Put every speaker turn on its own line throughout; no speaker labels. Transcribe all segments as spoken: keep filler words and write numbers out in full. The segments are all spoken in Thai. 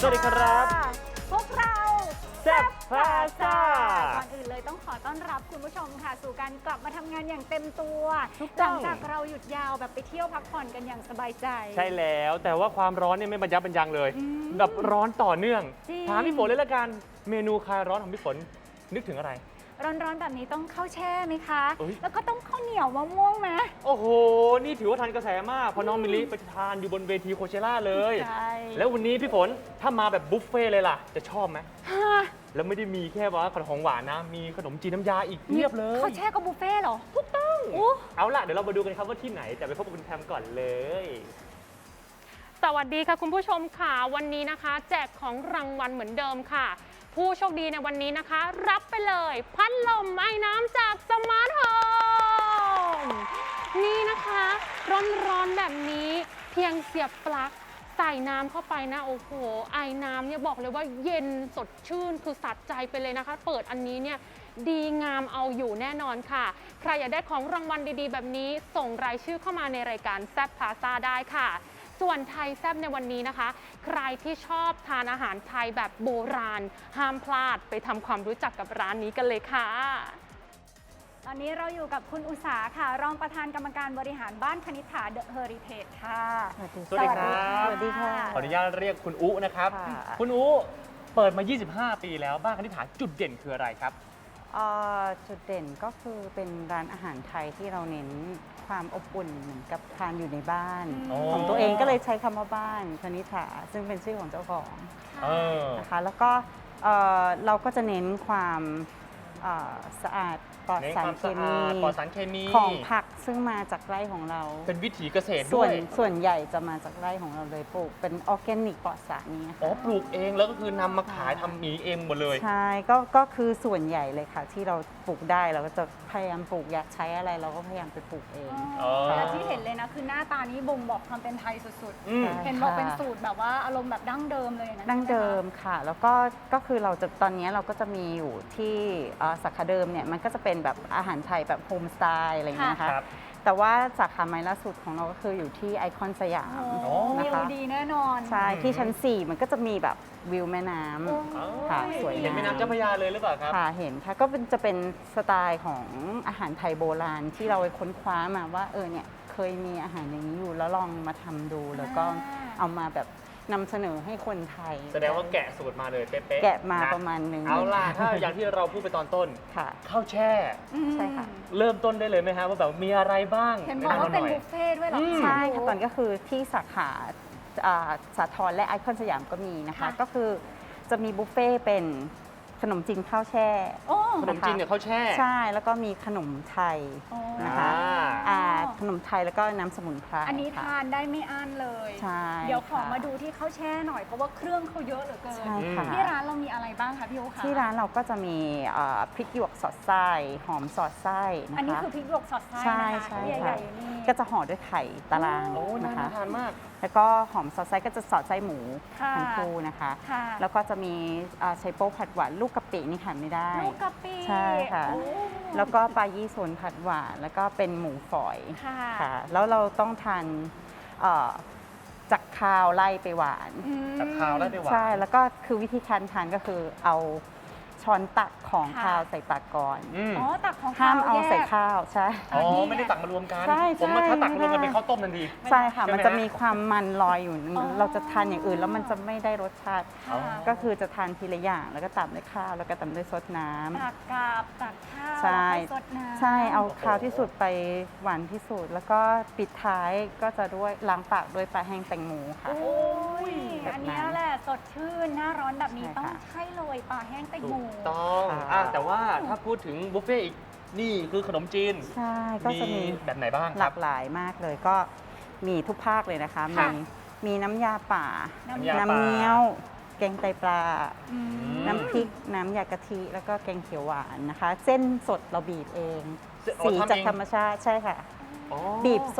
สวัสดีครับ
พวกเรา
แซ่บพาซ่า
ก่อนอื่นเลยต้องขอต้อนรับคุณผู้ชมค่ะสู่การกลับมาทำงานอย่างเต็มตัว
ถูก
ห
ต้
ลั
อง
งจากเราหยุดยาวแบบไปเที่ยวพักผ่อนกันอย่างสบายใจ
ใช่แล้วแต่ว่าความร้อนเนี่ยไม่บรรยับบรรยังเลย
อืม
แบบร้อนต่อเนื่อง
จริง
ถามพี่ฝนเลยละกันเมนูคลายร้อนของพี่ฝนนึกถึงอะไร
ร้อนๆแบบนี้ต้องข้าวแช่ไหมคะ
เอ้ย
แล้วก็ต้องข้าวเหนียวมะม่วงไหม
โอ้โห นี่ถือว่าทันกระแสมากเพราะน้องมิลลิไปทานอยู่บนเวทีโคเชล่าเลย
ใช่
แล้ววันนี้พี่ฝนถ้ามาแบบบุฟเฟ่ต์เลยล่ะ จะชอบไหม
ฮะ
แล้วไม่ได้มีแค่ว่าขนมของหวานนะ มีขนมจีนน้ำยาอีกเพียบเลย
ข้าวแช่กับบุฟเฟ่ต์เหรอ
ถูกต้อง
โอ้
เอาล่ะเดี๋ยวเรามาดูกันครับว่าที่ไหนแต่ไปพบกับคุณแพมก่อนเลย
สวัสดีค่ะคุณผู้ชมค่ะวันนี้นะคะ แจกของรางวัลเหมือนเดิมค่ะ ผู้โชคดีในวันนี้นะคะ รับไปเลยพัดลมไอ้น้ำจากสมาร์ทโฮมนี่นะคะร้อนๆแบบนี้เพียงเสียบปลั๊กใส่น้ำเข้าไปนะโอ้โหไอ้น้ำเนี่ยบอกเลยว่าเย็นสดชื่นคือสัดใจไปเลยนะคะ เปิดอันนี้เนี่ยดีงามเอาอยู่แน่นอนค่ะใครอยากได้ของรางวัลดีๆ แบบนี้ส่งรายชื่อเข้ามาในรายการแซ่บพาซาได้ค่ะส่วนไทยแซ่บในวันนี้นะคะ ใครที่ชอบทานอาหารไทยแบบโบราณ ห้ามพลาดไปทำความรู้จักกับร้านนี้กันเลยค่ะ
ตอนนี้เราอยู่กับคุณอุษาค่ะ รองประธานกรรมการบริหารบ้านคณิษฐาเดอะเฮอริเทจค่ะ
สวัสดีครับ
สวัสดีค่ะ
ขออนุญาตเรียกคุณอุนะครับ
ค่ะ
คุณอุเปิดมา ยี่สิบห้า ปีแล้วบ้านคณิษฐาจุดเด่นคืออะไรครับ
เอ่อจุดเด่นก็คือเป็นร้านอาหารไทยที่เราเน้นความอบอุ่นเหมือนกับทานอยู่ในบ้าน
อ๋อ
ของตัวเองก็เลยใช้คำว่าบ้านคณิษฐาซึ่งเป็นชื่อของเจ้าของ
เออ
นะคะแล้วก็เอ่อเราก็จะเน้นความเอ่อสะอาดปลอด
เน้น
สา
ค
ร
วาม
เค
สะ
มี
อาดปลอดสารเคมี
ของผักซึ่งมาจากไร่ของเรา
เป็นวิถีเกษตร
ส่
ด้
ว
วน ย
ส่วนใหญ่จะมาจากไร่ของเราเลยปลูกเป็นออร์แกนิกปลอดสารนี้
อ๋อ
ค่ะ
ปลูกเองแล้วก็คือนำมาขายทำหมีเองหมดเลย
ใช่ก็ก็คือส่วนใหญ่เลยค่ะ ที่เราปลูกได้เราก็จะพยายามปลูกอยากใช้อะไรเราก็พยายามไปปลูกเอง
อ๋อ
และที่เห็นเลยนะคือหน้าตานี้บ่งบอกความเป็นไทยสุด
อืม
ๆ เห็นบอกเป็นสูตรแบบว่าอารมณ์แบบดั้งเดิมเลยนะ
ดั้งเดิมค่ะ แล้วก็ก็คือเราจะตอนนี้เราก็จะมีอยู่ที่เอ่อสาขาเดิมเนี่ยมันก็จะเป็นแบบอาหารไทยแบบโฮมสไตล์อะไรอย่างเงี้ยนะคะ
ครับ
แต่ว่าสาขาใหม่ล่าสุดของเราก็คืออยู่ที่ไอคอนสยาม
โอ้
นะ
วิว
คะ
ดีแน่นอน
ใช่ที่ชั้น สี่ มันก็จะมีแบบวิวแม่น้
โอ้
ำค่ะสวย
เห็น
งาม
แม่น้ำเจ้าพระยาเลยหรือเปล่าครับ
ค่ะเห็นค่ะก็เป็นจะเป็นสไตล์ของอาหารไทยโบราณที่เราไปค้นคว้ามาว่าเออเนี่ยเคยมีอาหารอย่างนี้อยู่แล้วลองมาทำดู แล้วก็เอามาแบบนำเสนอให้คนไทย
แสดงว่าแกะสูตรมาเลยเป๊ะๆ
แกะมา
นะ
ประมาณหนึง
เอาล่ะ ถ้าอย่างที่เราพูดไปตอนต้น
ค่ะ
ข้าวแช่
อืม
ใช่ค่ะ
เริ่มต้นได้เลยไหมฮะว่าแบบมีอะไรบ้าง
เห็นบอกว่าเป็น
แะำห
บุ
อย
ฟเฟ่ต์ด้วยเหรอ
อืม
ใช่ค่ะตอนนก็คือที่สาขาอ่าสาทรและไอคอนสยามก็มีนะคะ
ค่ะ
ก็คือจะมีบุฟเฟ่ต์เป็นขนมจีนข้าวแช่
โอ้
ขนมจีนเนี่ยข้าวแช่
ใช่แล้วก็มีขนมไทย
โอ้
นะคะ อ่าขนมไทยแล้วก็น้ำสมุนไพร
อันนี้
ค่ะ
ทานได้ไม่อั้นเลย
ใช่
เดี๋ยวขอ
ค่ะ
มาดูที่ข้าวแช่หน่อยเพราะว่าเครื่องเขาเยอะเหลือเกิน
ใช่ค่ะ
ที่ร้านเรามีอะไรบ้างคะพี่โอคะ
ที่ร้านเราก็จะมีเอ่อพริกหยวกสอดไส้หอมสอดไส้นะคะ
อันนี้คือพริกหยวกสอดไส้
ใช่
นะคะ
ใช่
ที่
ค่ะ
ใหญ่ๆอยู่นี่
ก็จะห่อด้วยไข่ตาราง
โอ้น่า
นะคะ
ทานมาก
แล้วก็หอมสอดไส้ก็จะสอดไส้หมู
ค่ะ
ทั้งคู่นะคะ
ค่ะ
แล้วก็จะมีอ่าไชโป๊ผัดหวานลูกกะปินี่ขาดไม่ได้
ลูกกะปิ
ใช่ค่ะ
โอ้
แล้วก็ปลายี่สนผัดหวานแล้วก็เป็นหมูฝอย
ค่ะ
ค่ะ แล้วเราต้องทานเอ่อจากคาวไล่ไปหวาน
อืม
กับข้าวแล้วไปหวาน
ใช่ แล้วก็คือวิธีการทานก็คือเอาช้อนตักของ
ค่ะ
ข้าวใส่ตักก่อน
อืม
อ๋อตักของ
ห้ามเอา
แยก
ใส่ข้าว ใช่
อ๋อ
นี่ไง
ไม่ได้ตักมารวมกัน
ใช่
ผมว่า
ใช่
ถ้าตักมารวมกัน
ไม่ได้
เป็นข้าวต้มทันที
ใช่ค่ะ
ใช่ไหม
มันจะ
ฮะ
มีความมันลอยอยู่
อ๋อ
เราจะทานอย่างอื่นแล้วมันจะไม่ได้รสชาติ
ค่ะ
ก็คือจะทานทีละอย่างแล้วก็ตามด้วยข้าวแล้วก็ตามด้วยซดน้ำ
ตักกับตักข้าว
ใช่
แล้วค่อยซดน้ำ
ใช่เอา
โอ้โห
ข้าวที่สุดไปหวานที่สุด แล้วก็ปิดท้ายก็จะด้วยล้างปากด้วยปลาแห้งแตงโมค่ะ
โอ้ย
แบบนั้น
อันเนี้ยแหละสดชื่นหน้าร้อนแบบนี้
ใช่
ต้อง
ค่ะ
ใช่เลยปลาแห้งแตง
ถู
โม
กต้อง
ค่ะ
อ่ะแต่ว่าถ้าพูดถึงบุฟเฟ่ต์อีกนี่คือขนมจีน
ใช่ก็จะมี
แบบไหนบ้าง
ห
ค
ลา
รับ
กหลายมากเลยก็มีทุกภาคเลยนะคะ
ค่ะ
มีมีน้ำยาป่า
น้ำยา
น้ำเงี้ยว แกงไตปลา
อืม
ม
น้ำพริก น้ำยากะทิ แล้วก็แกงเขียวหวานนะคะ เส้นสดเราบีบเอง
เส้นอ๋อ
สี
ทำเอง
จากธรรมชาติใช่ค่ะ
อ๋อ
บีบสด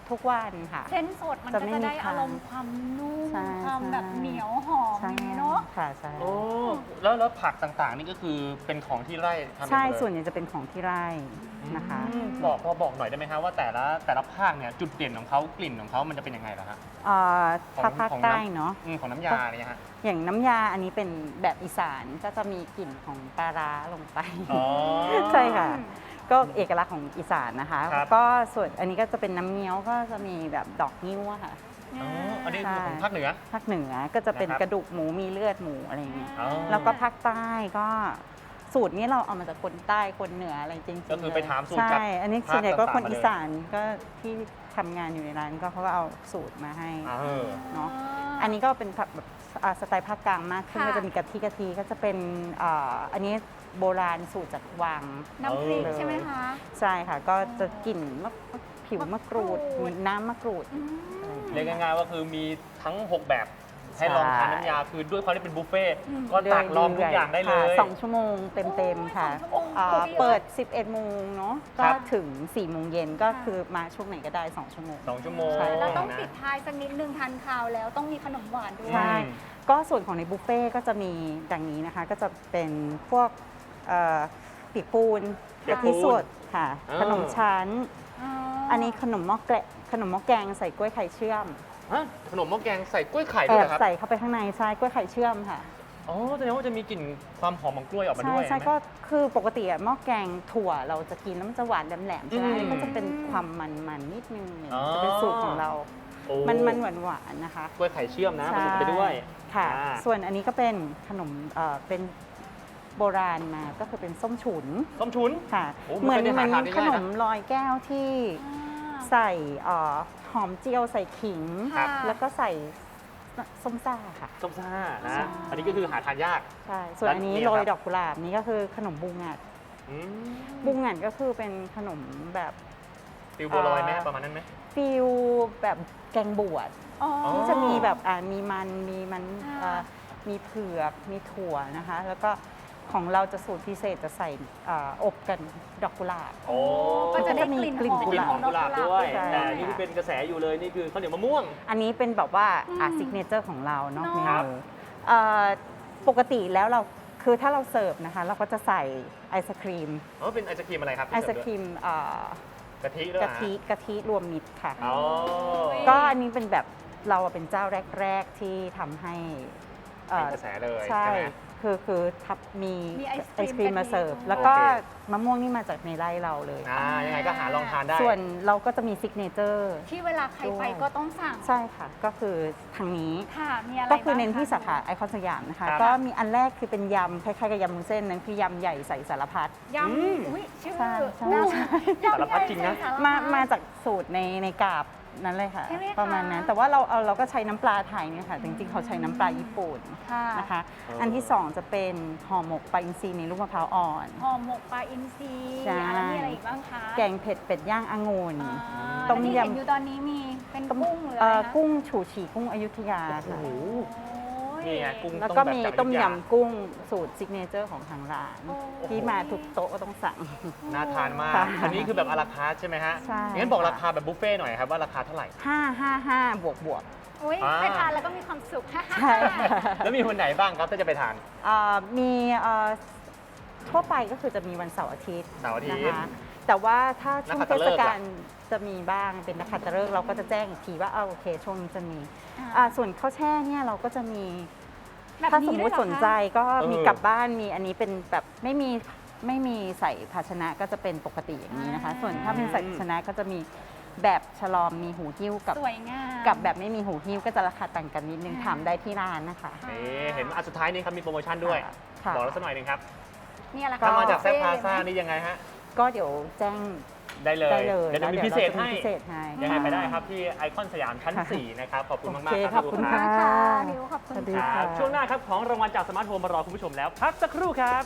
ทุกวันค่ะ
เส้นสดมัน
จะ
ก็
ไม่
จะ
มี
ได้
ค้าง
อารมณ์ความนุ่ม
ใช่
ความแบบ
ใช่
เหนียวหอม
ใช่
อย่างนี้เนาะ
ค่ะใช่
โอ้แล้วแล้วผักต่างๆ นี่ก็คือเป็นของที่ไร่ทำเอง
ใช่
หมดเลย
ส่วนใหญ่จะเป็นของที่ไร่นะคะ
อืมบอกพอบอกหน่อยได้ไหมฮะว่าแต่ละแต่ละภาคเนี่ยจุดเด่นของเขากลิ่นของเขามันจะเป็นยังไงล่ะฮะ
เอ่อ
ของ
ถ้าภาค
ของ
ใต้
น้ำ
เนาะ
อืมของน้ำยาเนี่ยฮะ
อย่างน้ำยาอันนี้เป็นแบบอีสานก็จะมีกลิ่นของปลาร้าลงไป
อ๋อ
ใช่ค่ะ ก็เอกลักษณ์ของอีสานนะคะ
ครับ
ก็ส่วนอันนี้ก็จะเป็นน้ำเงี้ยวก็จะมีแบบดอกนิ้วอะค่ะ
อ๋ออันนี้คือของภาคเหนือ
ภาคเหนือก็จะเป็น
นะครับ
กระดูกหมูมีเลือดหมูอะไรอย่างเงี้ย
อ๋อ
แล้วก็ภาคใต้ก็สูตรนี้เราเอามาจากคนใต้คนเหนืออะไรจริงๆ
ก็คือไปถามสูตร
ใช่
จาก
อันนี้
ภาค
ส่วนใหญ่ก็คน
ต่างๆมาเลย
อีสานก็ที่ทำงานอยู่ในร้านก็เขาก็เอาสูตรมาให้
เออ
เนาะ อันนี้ก็เป็นผักแบบอ่าสไตล์ภาคกลางมากขึ้น
ค่ะ
ก็จะมีกะทิกะทิก็จะเป็นอ่าอันนี้โบราณสูตรจากวัง
น้ำพริก
เออ
ใช่ไหมคะ
ใช่ค่ะ ก็จะกลิ่นมะผิวมะกรูด
มะกรูด
มีน้ำมะกรูด
อืม
เรียกง่ายๆว่าคือมีทั้ง หก แบบให้ลองทานน้ำยาคือด้วยความที่เป็นบุฟเฟ่ต์ก็ตักลองทุกอย่างได้เล
ค่ะ
ย
สองชั่วโมงเต็มๆค่ะ
โอ้ยสองชั่วโมง
อ่า
พอดีเลย
เปิด สิบเอ็ดโมงเนาะ
ครั
ก็
บ
ถึง สี่โมงเย็นก็
ค่ะ
คือมาช่วงไหนก็ได้ สองชั่วโมง
สองชั่วโมง
ใช่
แล้วต้อง
นะ
ปิดท้ายสักนิดนึงทานข้าวแล้วต้องมีขนมหวานด้วย
ใช่
อืม
ก็ส่วนของในบุฟเฟ่ต์ก็จะมีดังนี้นะคะ ก็จะเป็นพวกเอ่อปีกปูน
ปีก
กะ
ปู
ทิ
น
สดค่ะ
อ่า
ขนมชั้น
อ๋อ
อันนี้ขนมหม้อแกะขนมหม้อแกงใส่กล้วยไข่เชื่อม
ฮะขนมหม้อแกงใส่กล้วยไข่
แอ
ด้วยเหร
บ
อครับ
ใส่เข้าไปข้างในใช่กล้วยไข่เชื่อมค่ะ
อ๋อแสดงว่าจะมีกลิ่นความหอมของกล้วยออกมา
ใช่
ด้วย
ใช่
ไหม
ก็คือปกติอะหม้อแกงถั่วเราจะกินแล้วมันจะหวานแหลมๆใช่ไหม
อืม
อันนี้ก็จะเป็นความมันๆนิดนึงเนี่ย
อ๋อ
จะเป็นสูตรของเรา
โอ้
มันมันหวานหวานๆนะคะ
กล้วยไข่เชื่อมนะผ
ใช่
สมไปด้วย
ค่ะ
อ่า
ส่วนอันนี้ก็เป็นขนมเอ่อเป็นโบราณมาก็คือเป็นส้มฉุน
ส้มฉุน
ค่ะ
โอ้
เหมือน
ไม่
เห
เค
มื
ย
อน
ได้หาทานได้
ข
ง่าย
น
นะ
มลอยแก้วที่
อ่า
ใส่เอ่อหอมเจียวใส่ขิง
ครับ
แล้วก็ใส่ส้มซ่าค่ะ
ส้มซ่า
ใช่
นะ อันนี้ก็คือหาทานยาก
ใช่ ส่วนอันนี้
แล้วนี่
โรย
ครับ
ดอกกุหลาบนี่ก็คือขนมบุงงัด
อืม
บุงงัดก็คือเป็นขนมแบบ
ฟิวบัวลอยไหม
อ่า
ประมาณนั้นไหม
ฟิลแบบแกงบวช
อ๋อ
ที่จะมีแบบอ่ามีมันมีมัน
ค่ะ
เอ่อมีเผือกมีถั่วนะคะ แล้วก็ของเราจะสูตรพิเศษจะใส่อ่าอบกันดอกกุหลาบ
โอ้
ก็จะได้
มี
กลิ่น
กลิ่น
หอม
กลิ่นหอมกุหลาบด้วย
ใช่
แต่นี่ที่เป็นกระแสอยู่เลยนี่คือข้าวเหนียวมะม่วง
อันนี้เป็นแบบว่า
อืม
อ่าซิกเนเจอร์ของเราเนาะ
เนอะ
เม
ครับ
นูเอ่อปกติแล้วเราคือถ้าเราเสิร์ฟนะคะ เราก็จะใส่ไอศครีม
อ๋อเป็นไอศครีมอะไรครับ
ไอศครีมเอ่อก
ะทิด้วย
กะทิกะทิรวมมิตรค่ะ
อ๋อ
ก็อันนี้เป็นแบบเราเป็นเจ้าแรก ๆ ที่ทำให้เอ่
เป็น
อก
ระแสเลย
ใช่
ใช่ไหม
คือคือทับมี
มีไอศ
ไอก
รีม
ศครีมมาเสิร์ฟ
กะทิ
แล้วก็
โอเค
มะม่วงนี่มาจากในไร่เราเลย
อ่ายังไงก็หาลองทานได้
ส่วนเราก็จะมีซิกเนเจอร์
ที่เวลาใครไป
ด้วย
ก็ต้องสั่ง
ใช่ค่ะ ก็คือทางนี้
ค่ะ มีอะไร
ก็คือเน้น
บ้งะ
ที่สาขาไอคอนสยามนะคะ
ครับ
ก็มีอันแรกคือเป็นยำคล้ายๆกับยำมุ้นเส้นนั้นคือยำใหญ่ใส่สารพัด
ย
อืม
ำอุ้ยชื่อ
ใช่ใช่
น่า
ใช่
ยำ
สารพัดจริงนะ
ใหญ่ใส่สรพัด
มามาจากสูตรในในกาบนั้นเลยค่ะ
ใช่ไหมคะ
ประมาณนั้น แต่ว่าเราเอาเราก็ใช้น้ำปลาไทยเนี่ยค่ะ จริงๆเขาใช้น้ำปลาญี่ปุ่น
ค่ะ
นะคะ
เอออั
อันที่สองจะเป็นห่อหมกปลาอินทรีในลูกมะพร้าวอ่อน
ห่อหมกปลาอินทรี
ใช่
อ่ะแล้วมีอะไรอีกบ้างคะ
แกงเผ็ดเป็ดย่างองุ่น
อ่า
ต้ม
ที่
ยำ
เห็นอยู่ตอนนี้มีเป็นกุ้งหรือ
เอ่
อะไร
อ
คะ
กุ้งฉูฉี่กุ้งอยุธยา
โอ้
ค่ะ
โห
โอ้ย
นี่ไงกุ้ง
แล้วก็
แบบ
มี
จาก
ต้ม
อยุธ
ยำกุ้งสูตรซิกเนเจอร์ของทางร้าน
โอ้
ที่มาทุกโต๊ะก็ต้องสั่ง
น่าทานมาก
ค่ะ
อันนี้คือแบบอาราคาร์ทใช่ไหมฮะ
ใช่
งั้นบอก
ค่ะ
ราคาแบบบุฟเฟ่ต์หน่อยครับว่าราคาเท่าไหร่
ห้า ห้า ห้า บวกบวก
อุ้ย
อ่า
ไปทานแล้วก็มีความสุข
ใช่
แล้วมีวันไหนบ้างครับถ้าจะไปทาน
เอ่อมีเอ่อทั่วไปก็คือจะมีวันเสาร์อาทิตย์
เสาร์อาทิตย์
นะคะแต่ว่าถ้าช่วง
นักขั
เท
ตฤ
ศ
กษ์
กา
ล่ะ
ลจะมีบ้างเป็นนักขัตฤกษ์เราก็จะแจ้งอีกทีว่าเอาโอเค ช่วงนี้จะมี
อ่า
อ่าส่วนข้าวแช่เนี่ยเราก็จะมี
แบบ
ถ้า
นี้
สมมุ
ด้วย
ติ
เหรอ
สนใจ
คะ
ก็มี
เออ
กลับบ้านมีอันนี้เป็นแบบไม่มีไม่มีใส่ภาชนะก็จะเป็นปกติอย่างนี้นะคะ ส่วนถ้าเป็นใส่ภาชนะก็จะมีแบบฉลอมมีหูหิ้วกับ
สวยงาม
กับแบบไม่มีหูหิ้วก็จะราคาต่างกันนิดนึง
อ่า
ถามได้ที่ร้านนะคะ
นี่เห็นอันสุดท้ายนี้ครับมีโปรโมชั่นด้วย
ค่ะ
บอกเราสักหน่อยหนึงครับ
เนี่ยแหละ
ก็
ถ้ามาจาก
ค
แซ่บพา
เฟ่
ซ่า
เลยไหม
นี่ยังไงฮะ
ก็เดี๋ยวแจ้ง
ได้เลย
ได้เลย
เดี๋ยวจะมี
แล้ว
พิเศษ
ราจะ
ให้
พิเศษให้
ยังไงไปได้
ะ
ครับที่ไอคอนสยามชั้น
ค่ะ
สี่นะครับ ขอบคุณ
โอ
มาก
เค
ๆครับ
ขอบคุณ
ลูก
ค่ะ
ค่ะนิวขอบคุณ
สวัสดี
ค่ะ
ครับ
ค่ะ
ช่วงหน้าครับของรางวัลจากสมาร์ทโฮมมารอคุณผู้ชมแล้วพักสักครู่ครับ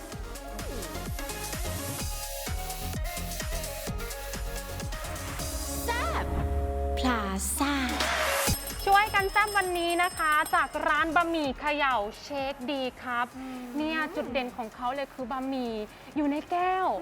พลาซ่า
ช่วยกันแซ่บวันนี้นะคะ จากร้านบะหมี่เขย่าเชคดีครับ เนี่ยจุดเด่นของเขาเลยคือบะหมี่อยู่ในแก้ว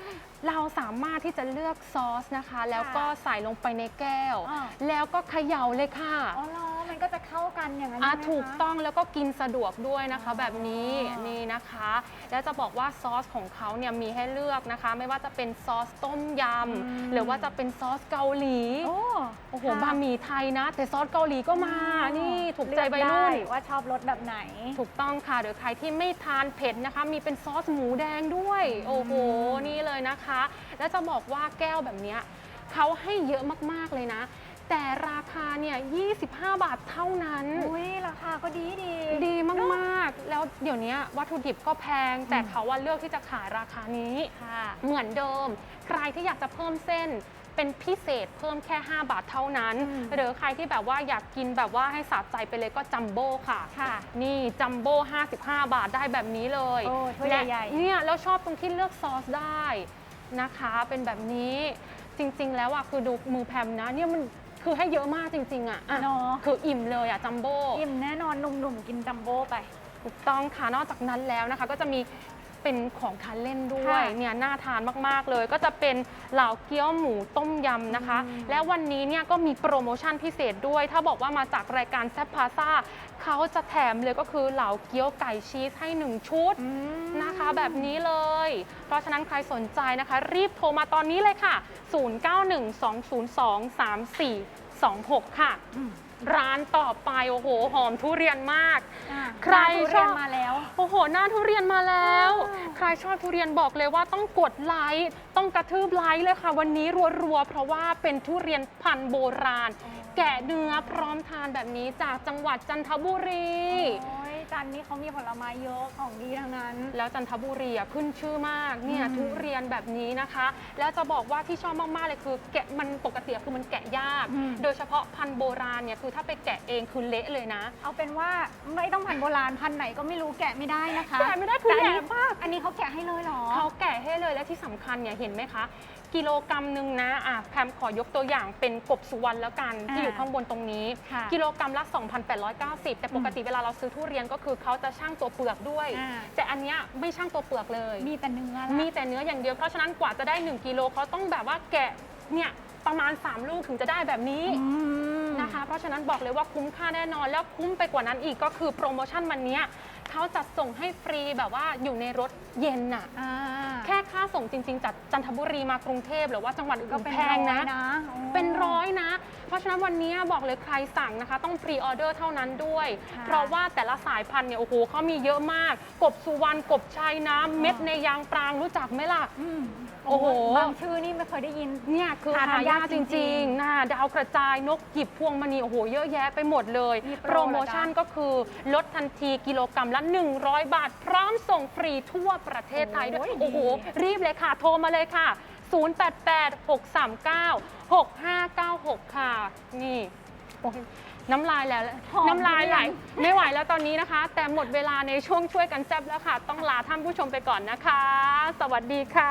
เราสามารถที่จะเลือกซอสนะคะ แล้วก็ใส่ลงไปในแก้ว
อ่า
แล้วก็เขย่าเลยค่ะ
อ๋อเหรอมันก็จะเข้ากันอย่างนั้น
อ่ะ
ใช่ไหมคะ
ถูกต้องแล้วก็กินสะดวกด้วยนะคะ
อ๋อ
แบบนี้นี่นะคะ แล้วจะบอกว่าซอสของเขาเนี่ยมีให้เลือกนะคะ ไม่ว่าจะเป็นซอสต้มยำหรือว่าจะเป็นซอสเกาหลี
โอ้
โอ้โห
ค่ะ
บะหมี่ไทยนะ แต่ซอสเกาหลีก็มา นี่ถูกใจวัยรุ่น
เลือกได้ว่าชอบรสแบบไหน
ถูกต้องค่ะหรือใครที่ไม่ทานเผ็ดนะคะ มีเป็นซอสหมูแดงด้วย โอ้โห นี่เลยนะคะ แล้วจะบอกว่าแก้วแบบเนี้ยเขาให้เยอะมากๆเลยนะ แต่ราคาเนี่ยยี่สิบห้าบาทเท่านั้น
อุ้ยราคาก็ดีดี
ดีมากๆ แล้วเดี๋ยวนี้วัตถุดิบก็แพง แต่เขาว่าเลือกที่จะขายราคานี้
ค่ะ
เหมือนเดิม ใครที่อยากจะเพิ่มเส้นเป็นพิเศษเพิ่มแค่ห้าบาทเท่านั้น
อืม
หรือใครที่แบบว่าอยากกินแบบว่าให้สะใจไปเลยก็จัมโบ้ค่ะ
ค่ะ
นี่จัมโบ้ห้าสิบห้าบาทได้แบบนี้เลย
โอ้ถ้วย
และ
ใหญ่ๆ
เนี่ยแล้วชอบตรงที่เลือกซอสได้นะคะ เป็นแบบนี้จริงๆ แล้วอ่ะคือดูมือแพมนะเนี่ยมันคือให้เยอะมากจริงๆอ่ะอ่ะ
เนาะ
คืออิ่มเลยอ่ะจัมโบ้
อิ่มแน่นอนหนุ่มๆกินจัมโบ้ไป
ถูกต้องค่ะนอกจากนั้นแล้วนะคะ ก็จะมีเป็นของทานเล่นด้วย
ค่ะ
เนี่ยน่าทานมากๆเลย ก็จะเป็นเหล่าเกี๊ยวหมูต้มยำนะคะ
อืม
และวันนี้เนี่ยก็มีโปรโมชั่นพิเศษด้วย ถ้าบอกว่ามาจากรายการแซ่บพาซ่าเขาจะแถมเลยก็คือเหล่าเกี๊ยวไก่ชีสให้หนึ่งชุด
อืม
นะคะแบบนี้เลย เพราะฉะนั้นใครสนใจนะคะ รีบโทรมาตอนนี้เลยค่ะ ศูนย์ เก้า หนึ่ง สอง ศูนย์ สอง สาม สี่ สอง หก ค่ะ
อืม
ร้านต่อไปโอ้โหหอมทุเรียนมาก
อ่ะ
ใคร
ทุ
ช
เรี
อย
น
บ
มาแล้ว
โอ้โหหน้าทุเรียนมาแล้ว
อ่า
ใครชอบทุเรียนบอกเลยว่าต้องกดไลค์ ต้องกระทืบไลค์เลยค่ะ วันนี้รัวๆ เพราะว่าเป็นทุเรียนพันธุ์โบราณ แกะเนื้อพร้อมทานแบบนี้จากจังหวัดจันทบุรี
โอ้ยจันนี่เขามีผลไม้เยอะของดีทั้งนั้น
แล้วจันทบุรีอ่ะขึ้นชื่อมากเนี่ย
อืม
ทุเรียนแบบนี้นะคะ แล้วจะบอกว่าที่ชอบมากๆเลยคือแกะมันปกติคือมันแกะยาก
อืม
โดยเฉพาะพันธุ์โบราณเนี่ยคือถ้าไปแกะเองคือเละเลยนะ
เอาเป็นว่าไม่ต้องพันธุ์โบราณพันธุ์ไหนก็ไม่รู้แกะไม่ได้นะคะ
แกะไม่ได้คือ
แต่อัน
แย่
นี้
มาก
อันนี้เขาแกะให้เลยเหรอ
เขาแกะให้เลยและที่สำคัญเนี่ยเห็นไหมคะ กิโลกรัมหนึ่งนะอ่ะแพมขอยกตัวอย่างเป็นกบสุวรรณแล้วกัน
อ่า
ที่อยู่ข้างบนตรงนี้
ค่ะ
กิโลกรัมละ สองพันแปดร้อยเก้าสิบ แต่ปกติเวลาเราซื้อทุเรียนก็คือเขาจะชั่งตัวเปลือกด้วย
อ่า
แต่อันเนี้ยไม่ชั่งตัวเปลือกเลย
มีแต่เนื้อละ
มีแต่เนื้ออย่างเดียว เพราะฉะนั้นกว่าจะได้ หนึ่ง กิโลเขาต้องแบบว่าแกะเนี่ยประมาณ สาม ลูกถึงจะได้แบบนี้
อืม
นะคะ เพราะฉะนั้นบอกเลยว่าคุ้มค่าแน่นอน แล้วคุ้มไปกว่านั้นอีกก็คือโปรโมชั่นวันเนี้ยเขาจัดส่งให้ฟรีแบบว่าอยู่ในรถเย็นน่ะ
อ่า
แค่ค่าส่งจริง ๆ จากจันทบุรีมากรุงเทพหรือว่าจังหวัดอื่
ก็
น
เป็น
แพงนะ
ร้อยนะโอ้
เป็นร้อยนะ เพราะฉะนั้นวันนี้บอกเลยใครสั่งนะคะ ต้องพรีออเดอร์เท่านั้นด้วย
ค่ะ
เพราะว่าแต่ละสายพันธุ์เนี่ยโอ้โหเขามีเยอะมาก กบสุวรรณกบชายน้ำเม็ดในยางปรางรู้จักไหมล่ะ
อืม
โอ้โห
บางชื่อนี่ไม่เคยได้ยิน
เนี่ยคือ
หา
หา
ทานยาย
าก ก
จ
จ
ริ
ริ
ง
ง
ๆ
ๆนะดาวกระจายนกหยิบพวงมณีโอ้โหเยอะแยะไปหมดเลย
มีโปร
โปรโมชั่นก็คือลดทันทีกิโลกรัมละ หนึ่งร้อยบาท พร้อมส่งฟรีทั่วประเทศไทยด้วย
โอ้ย
โอ้โห รีบเลยค่ะ โทรมาเลยค่ะ ศูนย์ แปด แปด หก สาม เก้า หก ห้า เก้า หก ค่ะ นี่โอ้ยน้ำลายแล้ว
หอม
น้ำลายไหล
ทุเรียน
ไม่ไหวแล้วตอนนี้นะคะ แต่หมดเวลาในช่วงช่วยกันแซ่บแล้วค่ะ ต้องลาท่านผู้ชมไปก่อนนะคะ สวัสดีค่ะ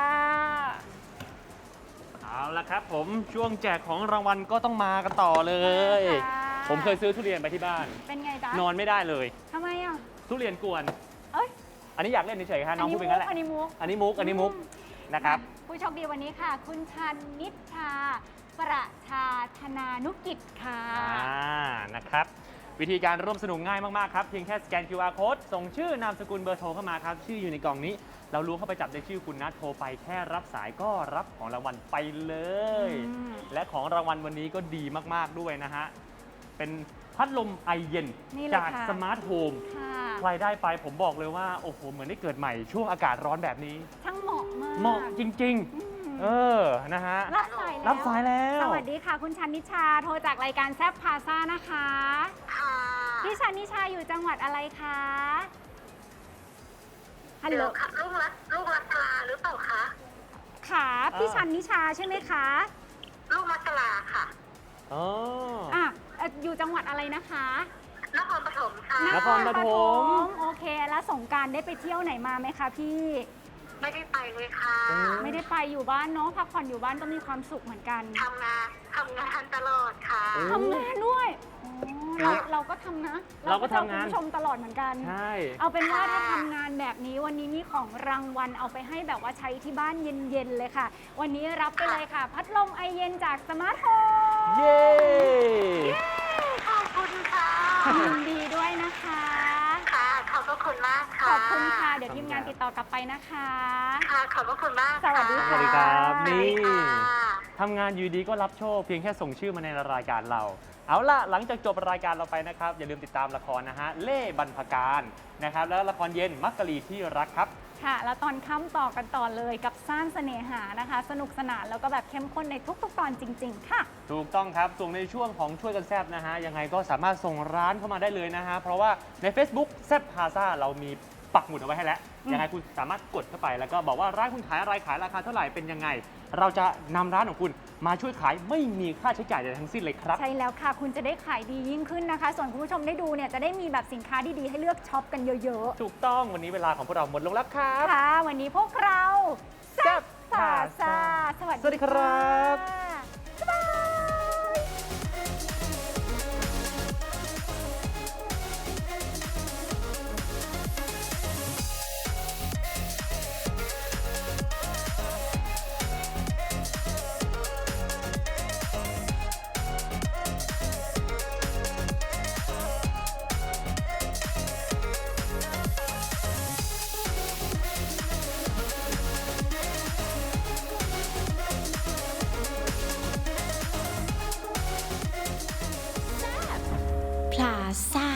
เอาละครับผมช่วงแจกของรางวัลก็ต้องมากันต่อเลย
ค่ะ
ผมเคยซื้อทุเรียนไปที่บ้าน
เป็นไงจ๊ะ
นอนไม่ได้เลย
ทำไมอ่ะ
ทุเรียนกวน
เอ้ย
อันนี้อยากเล่นเฉยๆค่ะน้องพูดเป็นงั้นแหละ
อันนี้มุก
อันนี้มุกอันนี้มุกนะครับ
ผู้โชคดีวันนี้ค่ะ คุณชันนิชชา ประชาธนานุกิจค่ะ
อ่า นะครับ วิธีการร่วมสนุกง่ายมาก ๆ ครับ เพียงแค่สแกน คิว อาร์ Code ส่งชื่อนามสกุลเบอร์โทรเข้ามาครับ ชื่ออยู่ในกล่องนี้ เรารู้เข้าไปจับในชื่อคุณนะโทรไปแค่รับสายก็รับของรางวัลไปเลย
อืม
และของรางวัลวันนี้ก็ดีมาก ๆ ด้วยนะฮะ เป็นพัดลมไอเย็น
นี่เลย
จาก
ค่ะ
สมาร์ทโฮม
ค่ะ
ใครได้ไปผมบอกเลยว่า โอ้โห เหมือนได้เกิดใหม่ช่วงอากาศร้อนแบบนี้
ช่างเหมาะมาก
เหมาะจริง
อืม
ๆ เออ นะฮะ
รับสายแล้ว
รับสายแล้ว
สวัสดีค่ะ คุณชันนิชา โทรจากรายการแซบพาซ่านะคะ
ค่ะ
พี่ชันนิชาอยู่จังหวัดอะไรคะ ฮัลโหล
เดี๋ยวค่ะลูกรักลูกรักกลาหรือเปล่าคะ
ค่ะพี่ชันนิชาใช่ไหมคะ
ลูกรักกลาค่ะ
อ๋อ
อ่ะเอ่ออยู่จังหวัดอะไรนะคะ
นครปฐมค่ะ
นครปฐม
โอเค แล้วสงกรารได้ไปเที่ยวไหนมาไหมคะพี่
ไม่ได้ไปเลยค่ะ
ไม่ได้ไปอยู่บ้านเนาะพักผ่อนอยู่บ้านก็มีความสุขเหมือนกัน
ทำงานทำงานตลอดค่ะ
โอ้
ทำงานด้วยโอ้
ฟู้ด
เราก็ทำนะ
เราก็ทำงาน
เจอคุณผู้ชมตลอดเหมือนกัน
ใช่
เอาเป็นว่าถ้าทำงานแบบนี้วันนี้มีของรางวัลเอาไปให้แบบว่าใช้ที่บ้านเย็นๆเลยค่ะ วันนี้รับไปเลยค่ะ พัดลมไอเย็นจากสมาร์ทโฮม
เย้
ขอบคุณค่ะ
ยินดีด้วยนะคะ
ค่ะ ขอบพระคุณมากค่ะ
ขอบคุณค่ะ เดี๋ยวทีมงานติดต่อกลับไปนะคะ
ค่ะ ขอบพระคุณมาก
สวัสดี
ส
ค่ะ
วัสดีครับ
สวัส
นี่
ดีค่ะ
ทำงานอยูดีก็รับโชคเพียงแค่ส่งชื่อมาในรายการเรา เอาล่ะ หลังจากจบรายการเราไปนะครับ อย่าลืมติดตามละครนะฮะ เล่บรรพการนะครับ แล้วละครเย็นมักกะลีที่รักครับ
ค่ะ แล้วตอนค่ำต่อกันต่อเลยกับซ่านเสน่หานะคะ สนุกสนานแล้วก็แบบเข้มข้นในทุกๆ ตอนจริง ๆ ค่ะ
ถูกต้องครับส่วนในช่วงของช่วยกันแซบนะฮะ ยังไงก็สามารถส่งร้านเข้ามาได้เลยนะฮะ เพราะว่าใน Facebook แซบพาซาเรามีปักหมุดเอาไว้ให้แล้ว
อืม
ยังไงคุณสามารถกดเข้าไปแล้วก็บอกว่าร้านคุณขายอะไรขายราคาเท่าไหร่เป็นยังไง เราจะนำร้านของคุณมาช่วยขายไม่มีค่าใช้จ่ายใดทั้งสิ้นเลยครับ
ใช่แล้วค่ะ คุณจะได้ขายดียิ่งขึ้นนะคะ ส่วนคุณผู้ชมได้ดูเนี่ยจะได้มีแบบสินค้าดีๆให้เลือกช็อปกันเยอะ
ถูกต้องวันนี้เวลาของพวกเราหมดลงแล้วครับ
ๆ ค่ะ วันนี้พวกเราแซ่บพาซาสวัส
สวัสดีครับ
บ๊ายบาย
พลาซ่า